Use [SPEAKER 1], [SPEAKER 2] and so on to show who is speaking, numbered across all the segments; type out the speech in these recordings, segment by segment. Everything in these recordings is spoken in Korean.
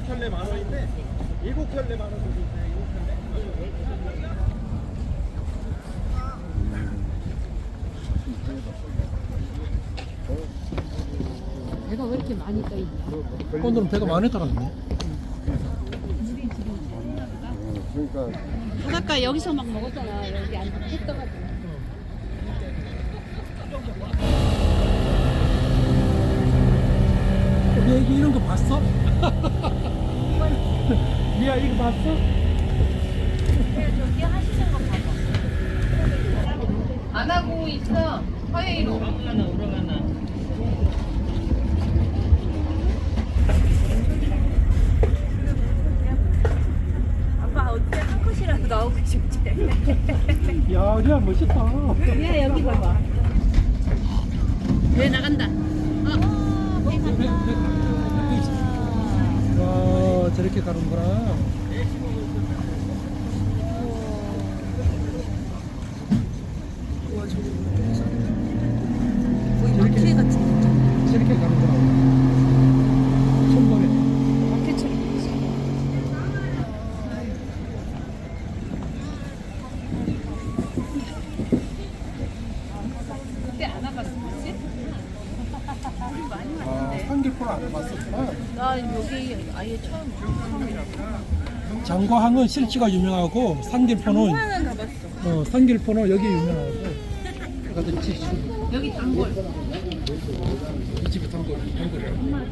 [SPEAKER 1] 켤레 10,000원인데 7켤레 10,000원 정도 있어요. 7켤레.
[SPEAKER 2] 배가 왜 이렇게 많이 떠있냐?
[SPEAKER 3] 오늘은 배가 많이 들었네.
[SPEAKER 1] 그러니까
[SPEAKER 2] 바닷가 여기서 막 먹었잖아. 여기 안 떠가지고.
[SPEAKER 3] 얘 이런 거 봤어? 미야 이거 봤어?
[SPEAKER 2] 저기 하시는 거 봐봐. 안 하고 있어. 화요일 오라가나. 아빠 어떻게 한 컷이라도 나오고 싶지?
[SPEAKER 3] 야, 리아 멋있다.
[SPEAKER 2] 야 여기 봐봐. 왜 나간다?
[SPEAKER 3] 와, 저렇게 가는구나.
[SPEAKER 2] 마켓 같은
[SPEAKER 3] 저렇게 가는구나. 처음 보네.
[SPEAKER 2] 마켓처럼. 그때 안 와봤어, 그치? 우리 많이
[SPEAKER 3] 아,
[SPEAKER 2] 왔는데.
[SPEAKER 3] 삼길포를 안 해봤었구나.
[SPEAKER 2] 나 여기 아예 처음이라고.
[SPEAKER 3] 장과항은 실지가 유명하고 산길포는
[SPEAKER 2] 하나는 가봤어.
[SPEAKER 3] 산길포는 여기 유명하고. 가서
[SPEAKER 2] 여기 단골.
[SPEAKER 3] 이 집이 단골이라고.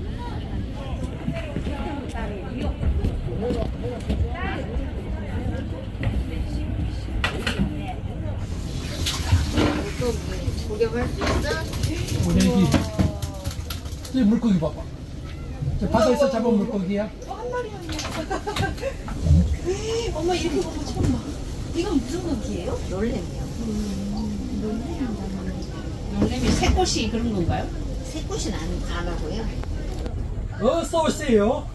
[SPEAKER 2] 구경할 수 있어?
[SPEAKER 3] 오네기. 저 물고기 봐봐. 저 바다에서 잡은 물고기야.
[SPEAKER 2] 엄마 이렇게 보고 처음 봐. 이건 무슨 고기예요?
[SPEAKER 4] 놀래미요.
[SPEAKER 2] 놀래미 새꽃이 그런 건가요?
[SPEAKER 4] 새꽃은 안 하고요.
[SPEAKER 3] 어서 오세요.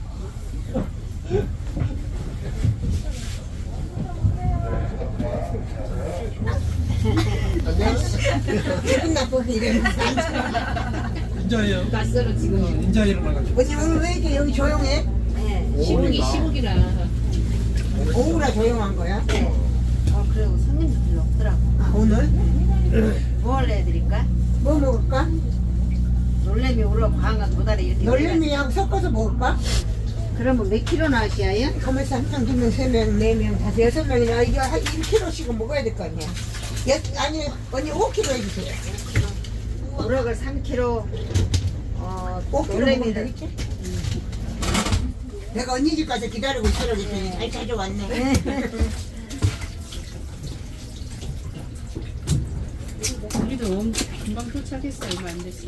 [SPEAKER 4] 기분 나쁘게 이러면
[SPEAKER 3] 인자예요.
[SPEAKER 2] 낯설어 지금.
[SPEAKER 3] 인자 일어나가지고.
[SPEAKER 4] 어제 오늘 왜 이렇게 여기 조용해? 네.
[SPEAKER 2] 시국이라.
[SPEAKER 4] 오후라 조용한 거야?
[SPEAKER 2] 네.
[SPEAKER 4] 그리고 손님도 별로 없더라고. 아, 오늘? 뭘 해드릴까? 뭐 먹을까? 놀래미 우럭 광어 도다리 이렇게. 놀래미하고 섞어서 먹을까? 그러면 몇 킬로나 하시아요? 가만있어, 한 명, 두 명, 세 명, 네 명, 다섯, 여섯 명이나 이거 한 1kg씩은 먹어야 될 거 아니야? 아니, 언니 5kg 해주세요. 우럭을 3kg, 5kg 놀래미를 있지? 내가 언니 집 가서 기다리고 있으라고 했더니 잘 찾아왔네.
[SPEAKER 2] 우리도 금방 도착했어. 얼마 안 됐어.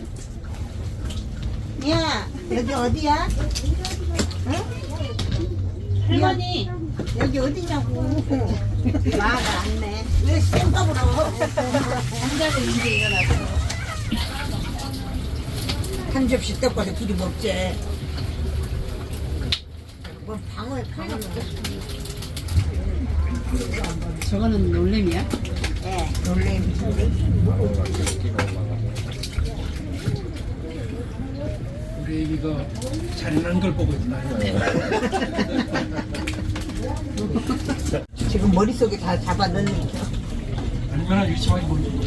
[SPEAKER 4] 야, 여기 어디야?
[SPEAKER 2] 할머니.
[SPEAKER 4] 여기 어디냐고. 말을 안 내. 왜 생각을 하고?
[SPEAKER 2] 혼자서 이제 일어났어.
[SPEAKER 4] 한 접시 떡과도 둘이 먹지. 뭐 방어에 방어.
[SPEAKER 2] 저거는 놀래미야?
[SPEAKER 4] 예, 놀래미.
[SPEAKER 3] 우리 애기가 잘난 걸 보고 있나.
[SPEAKER 4] 지금 머릿속에 다 잡아 넣는 거.
[SPEAKER 3] 얼마나 유치하게 보이는지.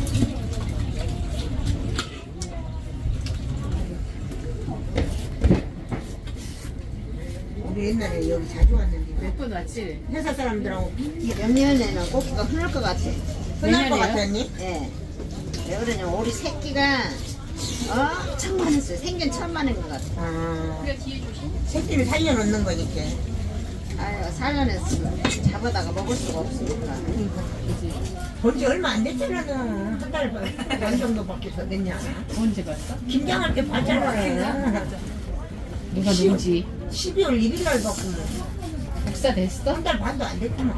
[SPEAKER 4] 우리 옛날에 여기 자주 왔는데
[SPEAKER 2] 몇 번 왔지?
[SPEAKER 4] 회사 사람들하고 내년에는 고기가 흔할 것 같아. 흔할 것
[SPEAKER 2] 내년에요?
[SPEAKER 4] 같았니? 예. 왜 그러냐면 우리 새끼가 천만했어요. 생긴 천만인 것 같아. 아, 새끼를 살려놓는 거니까. 아유, 살려냈으면 잡아다가 먹을 수가 없으니까. 본지 얼마 안 됐잖아. 한 달 반 정도밖에 더 됐냐.
[SPEAKER 2] 언제 봤어?
[SPEAKER 4] 김장할 때 봤잖아.
[SPEAKER 2] 누가 누구지?
[SPEAKER 4] 12월 1일 날 봤구만.
[SPEAKER 2] 복사 됐어?
[SPEAKER 4] 한 달 반도 안 됐구만.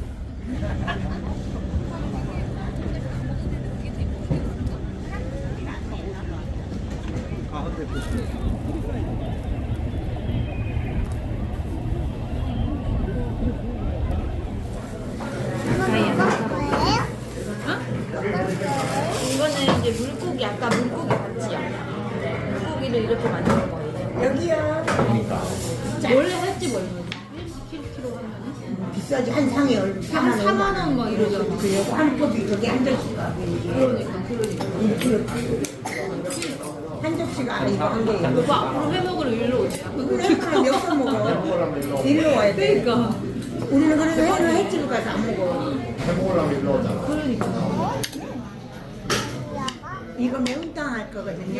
[SPEAKER 1] 가운데
[SPEAKER 5] 이거는 이제 물고기, 아까 물고기 봤지요? 물고기를 이렇게 만든 거예요.
[SPEAKER 4] 여기요.
[SPEAKER 5] 원래 횟집 얼마지? 1kg 하면은?
[SPEAKER 4] 비싸지. 한 상에 얼마?
[SPEAKER 5] 4만 원 막 이러잖아.
[SPEAKER 4] 그리고 한 컵이 저기 한 접시가
[SPEAKER 5] 그러니까.
[SPEAKER 4] 한 접시가 이거 한 개예요.
[SPEAKER 5] 오빠 앞으로 회 먹으러 일로 오자.
[SPEAKER 4] 그러니까 몇번 먹어. 일로 와야 돼.
[SPEAKER 5] 그러니까.
[SPEAKER 4] 우리는 그래서 회는 횟집을 가서 안 먹어.
[SPEAKER 1] 해먹으려면 일로 오잖아.
[SPEAKER 5] 그러니까.
[SPEAKER 4] 이거 매운탕 할 거거든요.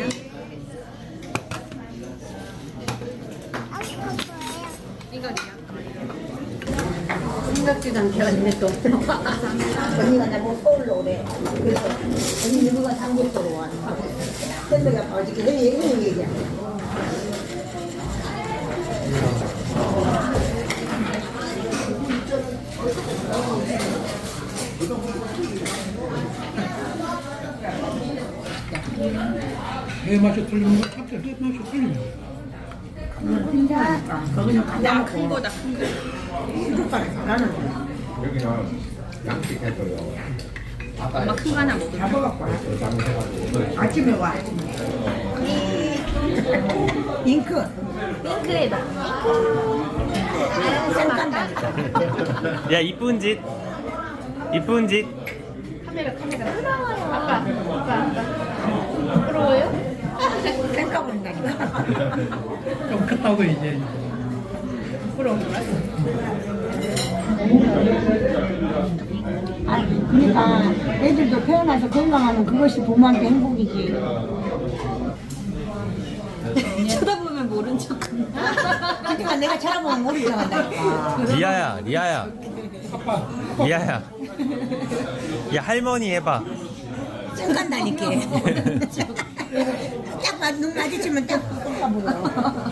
[SPEAKER 4] 생각지도 않게 언니 또 언니가 나보고 서울로 오래. 그래서 언니 누구가 삼겹살로 와. 샌드가 어저께 형님 얘기야.
[SPEAKER 3] 회 맛이 틀리는 거 같아. 회 맛이 틀리는 거.
[SPEAKER 4] 거기는 가장 큰 거다. 큰 거. 수족관에 가라는 거야.
[SPEAKER 1] 여기는 양식 해줘요.
[SPEAKER 5] 엄마 큰 거 하나 먹을래?
[SPEAKER 4] 잡아갖고 와. 아침에 와. 잉크.
[SPEAKER 5] 핑크에다.
[SPEAKER 4] 쌩깐다니까.
[SPEAKER 6] 야 이쁜 짓 이쁜 짓
[SPEAKER 5] 카메라. 아빠. 부러워요?
[SPEAKER 4] 쌩까버린다니까.
[SPEAKER 3] 좀 컸다고 이제.
[SPEAKER 4] 아니, 그러니까 애들도 태어나서 건강하면 그것이 부모한테 행복이지.
[SPEAKER 5] 쳐다보면 모른 척.
[SPEAKER 4] 하지만 내가 쳐다보면 모르게 한다니까.
[SPEAKER 6] 리아야 야 할머니 해봐
[SPEAKER 4] 쌩깐다니까. 눈 마주치면 딱 쌩까불어.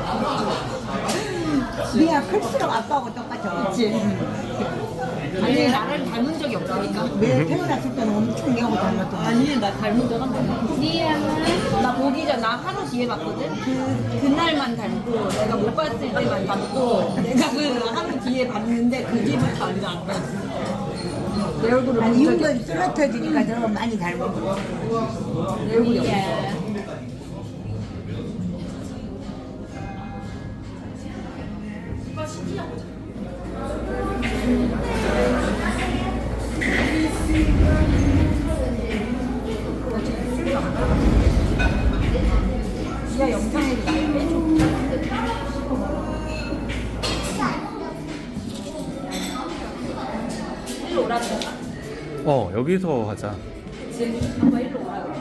[SPEAKER 4] 니가 클수록 아빠하고 똑같아. 그치?
[SPEAKER 5] 아니 나를 닮은 적이 없으니까.
[SPEAKER 4] 내 태어났을 때는 엄청 얘하고 닮았던 거야.
[SPEAKER 5] 아니 나 닮은 적 한 번도. 니야. 나 보기 전 나 하루 뒤에 봤거든. 그날만 닮고 내가 못 봤을 때만 닮고 내가 그 하루 뒤에 봤는데 그 뒤부터 완전 안 닮았어. 내 얼굴을
[SPEAKER 4] 아니,
[SPEAKER 5] 본 적이
[SPEAKER 4] 이건 쓰러터지니까 더 많이 닮은 거야.
[SPEAKER 5] 내 얼굴이 없어. 지하 영상에 날 빼줘. 일로 오라고.
[SPEAKER 6] 여기서 하자
[SPEAKER 5] 아빠 일로 오라고.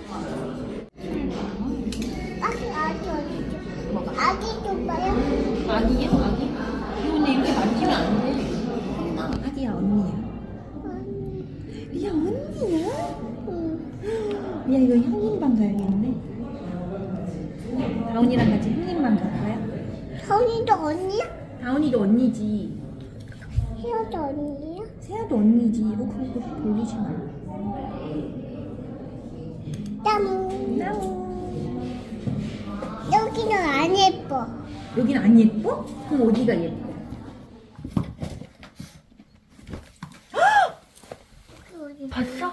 [SPEAKER 7] 아기 좀 봐요.
[SPEAKER 5] 아기야? 아기? 근데 이렇게 만지면 안 돼.
[SPEAKER 2] 아기야 언니야. 야 언니야? 야 이거 형님방 가야겠네. 다운이랑 같이 형님방 갈까요?
[SPEAKER 7] 서울이도 언니야?
[SPEAKER 2] 다운이도 언니지.
[SPEAKER 7] 희어도 언니야?
[SPEAKER 2] 세아도 언니지. 그거 돌리지 마.
[SPEAKER 7] 땀.
[SPEAKER 2] 나오.
[SPEAKER 7] 여기는 안 예뻐.
[SPEAKER 2] 여긴 안 예뻐? 그럼 어디가 예뻐? 봤어?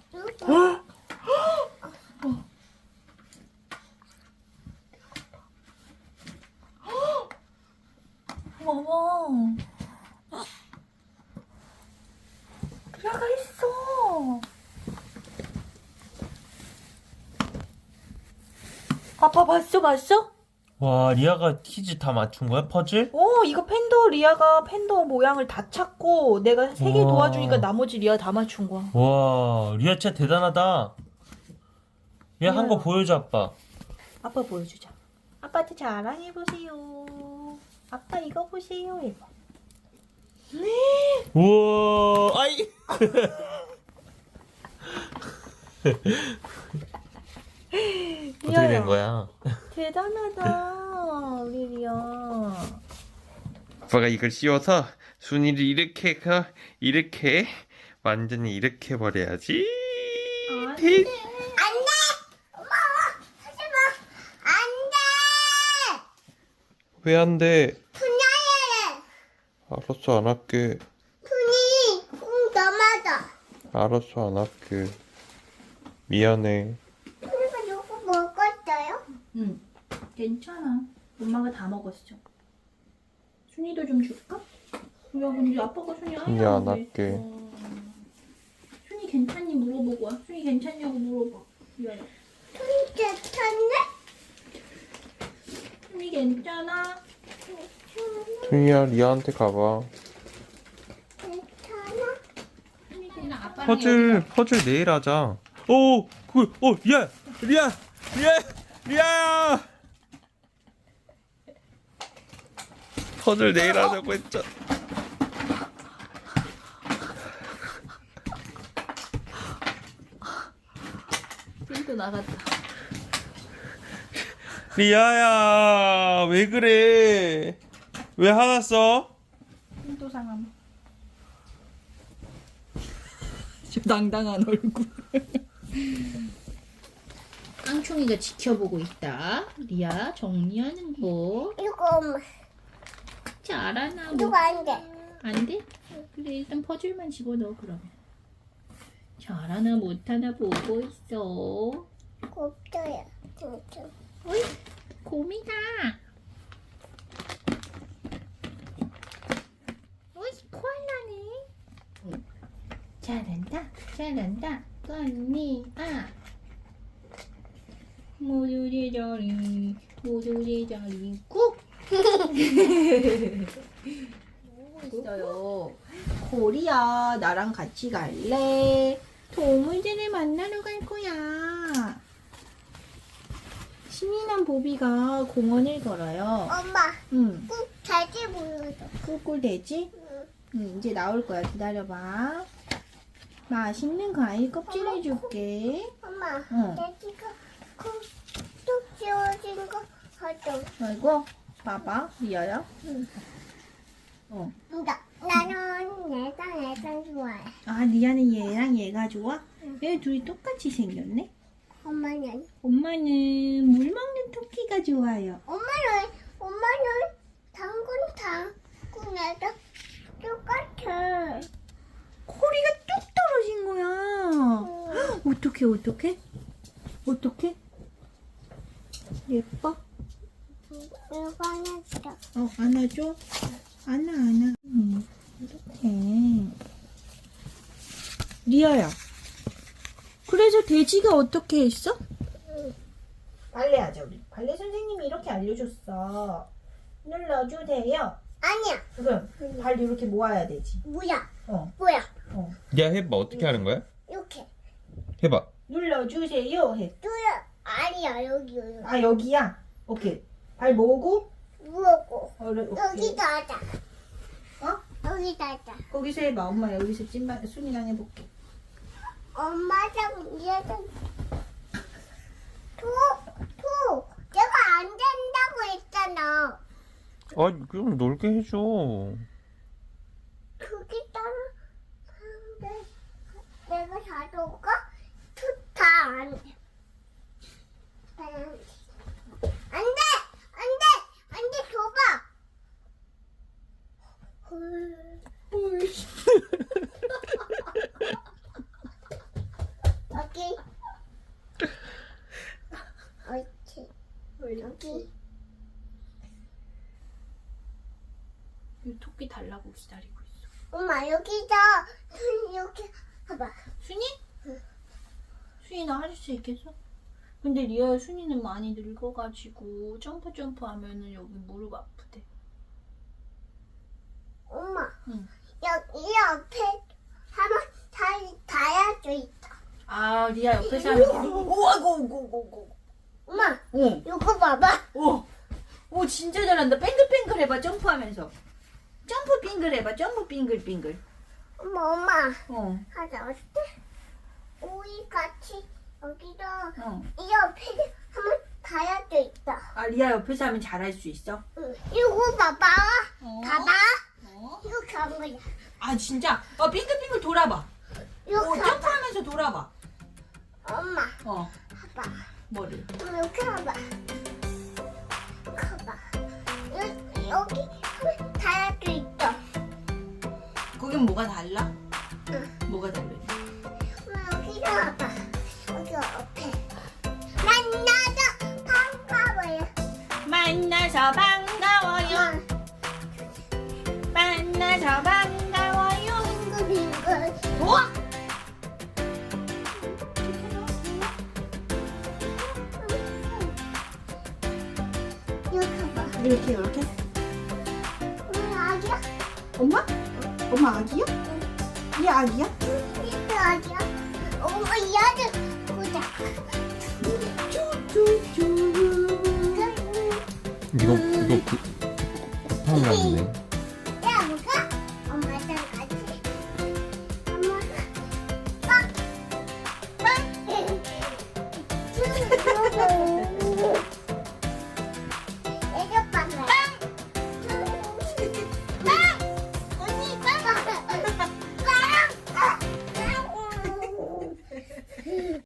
[SPEAKER 2] 어머. 들어가 있어. 아빠 봤어?
[SPEAKER 6] 와 리아가 퀴즈 다 맞춘 거야 퍼즐?
[SPEAKER 2] 이거 팬더 리아가 팬더 모양을 다 찾고 내가 3개
[SPEAKER 6] 우와.
[SPEAKER 2] 도와주니까 나머지 리아 다 맞춘 거야.
[SPEAKER 6] 와 리아 진짜 대단하다 리아 한 거 보여줘 아빠
[SPEAKER 2] 아빠 보여주자. 아빠한테 자랑해보세요. 아빠 이거 보세요. 해봐.
[SPEAKER 6] 우와 아이 어떻게 된 거야?
[SPEAKER 2] 대단하다 우리 리아.
[SPEAKER 6] 아빠가 이걸 씌워서 순이를 이렇게 이렇게 완전히 이렇게 버려야지. 대- 왜 안 돼?
[SPEAKER 7] 분야에
[SPEAKER 6] 알았어 안 할게.
[SPEAKER 7] 분이 넘어져.
[SPEAKER 6] 알았어 안 할게. 미안해.
[SPEAKER 7] 그리고 이거 먹었어요?
[SPEAKER 2] 응. 괜찮아. 엄마가 다 먹었어.
[SPEAKER 5] 순이도 좀 줄까? 야 근데 아빠가 순이 아예
[SPEAKER 6] 야,
[SPEAKER 5] 안
[SPEAKER 6] 낮게.
[SPEAKER 5] 그랬어. 순이 괜찮니 물어보고 와. 순이 괜찮냐고 물어봐. 미안해.
[SPEAKER 7] 괜찮네?
[SPEAKER 5] 순이 괜찮아?
[SPEAKER 6] 준이야, 리아한테 가봐.
[SPEAKER 7] 괜찮아?
[SPEAKER 5] 순이 그냥 아빠랑
[SPEAKER 6] 퍼즐 내일 하자. 오, 야, 리아야. 퍼즐 내일 하자고 했잖아.
[SPEAKER 5] 또 나갔다.
[SPEAKER 6] 리아야, 왜 그래? 왜 화났어?
[SPEAKER 5] 또 상함. 저 당당한 얼굴. 깡충이가 지켜보고 있다. 리아 정리하는 거.
[SPEAKER 7] 이거 엄마.
[SPEAKER 5] 잘하나
[SPEAKER 7] 이거 안 돼.
[SPEAKER 5] 안 돼? 그래 일단 퍼즐만 집어넣어 그러면. 잘하나 못하나 보고 있어.
[SPEAKER 7] 없어요. 진짜.
[SPEAKER 5] 어이 곰이다. 어이 코알라네. 잘한다 언니야. 모두 제자리 꾹. 보고 있어요. 코리야 나랑 같이 갈래? 동물들을 만나러 갈 거야. 신이랑 보비가 공원을 걸어요.
[SPEAKER 7] 엄마,
[SPEAKER 5] 응.
[SPEAKER 7] 꼭 돼지 보여줘.
[SPEAKER 5] 꿀꿀 돼지? 응, 이제 나올 거야. 기다려봐. 맛있는 과일 껍질 해줄게.
[SPEAKER 7] 엄마,
[SPEAKER 5] 응.
[SPEAKER 7] 돼지가 콕뚝 씌워진 거 가져.
[SPEAKER 5] 아이고, 봐봐. 리아야. 어.
[SPEAKER 7] 나는 얘가 좋아해.
[SPEAKER 5] 아, 리아는 얘랑 얘가 좋아? 얘 둘이 똑같이 생겼네?
[SPEAKER 7] 엄마는?
[SPEAKER 5] 엄마는 물 먹는 토끼가 좋아요.
[SPEAKER 7] 엄마는 당근에다 똑같아.
[SPEAKER 5] 코리가 뚝 떨어진 거야. 어떡해? 예뻐?
[SPEAKER 7] 이거 하나다.
[SPEAKER 5] 안아줘? 안아. 이렇게. 리아야. 그래서 돼지가 어떻게 했어? 발레하자, 우리. 발레 선생님이 이렇게 알려줬어. 눌러주세요.
[SPEAKER 7] 아니야.
[SPEAKER 5] 그럼 발 이렇게 모아야 되지.
[SPEAKER 7] 뭐야?
[SPEAKER 5] 어.
[SPEAKER 6] 야, 해봐. 어떻게 하는 거야?
[SPEAKER 7] 이렇게.
[SPEAKER 6] 해봐.
[SPEAKER 5] 눌러주세요. 해.
[SPEAKER 7] 뚜야. 아니야, 여기.
[SPEAKER 5] 아, 여기야? 오케이. 발 모으고.
[SPEAKER 7] 무엇고?
[SPEAKER 5] 오케이.
[SPEAKER 7] 여기다 하자.
[SPEAKER 5] 어?
[SPEAKER 7] 여기다 하자.
[SPEAKER 5] 거기서 해봐. 엄마 여기서 찐만 순이랑 해볼게.
[SPEAKER 7] 엄마랑 얘랑 내가 안 된다고 했잖아.
[SPEAKER 6] 아, 그럼 놀게 해줘.
[SPEAKER 7] 그게 따라 내가 자동가 좋다. 안돼 줘봐. 여기 옳지. 여기
[SPEAKER 5] 이 토끼 달라고 기다리고 있어.
[SPEAKER 7] 엄마 여기다 이렇게 봐봐.
[SPEAKER 5] 순이? 순이 나 할 수 있겠어? 근데 리아 순이는 많이 늙어가지고 점프 하면은 여기 무릎 아프대.
[SPEAKER 7] 엄마
[SPEAKER 5] 응.
[SPEAKER 7] 여기 옆에 하면 다야져 있다.
[SPEAKER 5] 아 리아 옆에서 하면 오아고.
[SPEAKER 7] 엄마
[SPEAKER 5] 오.
[SPEAKER 7] 이거 봐봐.
[SPEAKER 5] 오 진짜 잘한다. 뱅글뱅글 해봐 점프하면서. 점프 빙글 해봐. 점프 빙글.
[SPEAKER 7] 엄마
[SPEAKER 5] 어.
[SPEAKER 7] 하자. 어때? 우리 같이 여기다
[SPEAKER 5] 어.
[SPEAKER 7] 이 옆에 하면 다야져 있다.
[SPEAKER 5] 아 리아 옆에서 하면 잘할 수 있어?
[SPEAKER 7] 응. 이거 봐봐.
[SPEAKER 5] 어.
[SPEAKER 7] 봐봐.
[SPEAKER 5] 어.
[SPEAKER 7] 이렇게 하는 거야.
[SPEAKER 5] 아 진짜? 빙글빙글 돌아봐.
[SPEAKER 7] 이렇게 하자.
[SPEAKER 5] 점프하면서 돌아봐.
[SPEAKER 7] 엄마
[SPEAKER 5] 어.
[SPEAKER 7] 봐봐.
[SPEAKER 5] 뭐를?
[SPEAKER 7] 이렇게 봐봐. 봐봐. 여기 하면 다야져 있다.
[SPEAKER 5] 거긴 뭐가 달라?
[SPEAKER 7] 응.
[SPEAKER 5] 뭐가 달라?
[SPEAKER 7] 여기다 봐봐. 여기 옆에. 만나서 반가워요.
[SPEAKER 5] 만나서 반가워요. 우와!
[SPEAKER 7] 이렇게 봐.
[SPEAKER 2] 이렇게.
[SPEAKER 7] 아기야?
[SPEAKER 2] 엄마? 엄마 아기야? 얘 아기야?
[SPEAKER 7] 이거 아기야? 엄마 얘를 보자.
[SPEAKER 6] 이거 하면 안 되네.
[SPEAKER 7] 야, 뭐가? 엄마랑 같이. 엄마. 빡! 빡!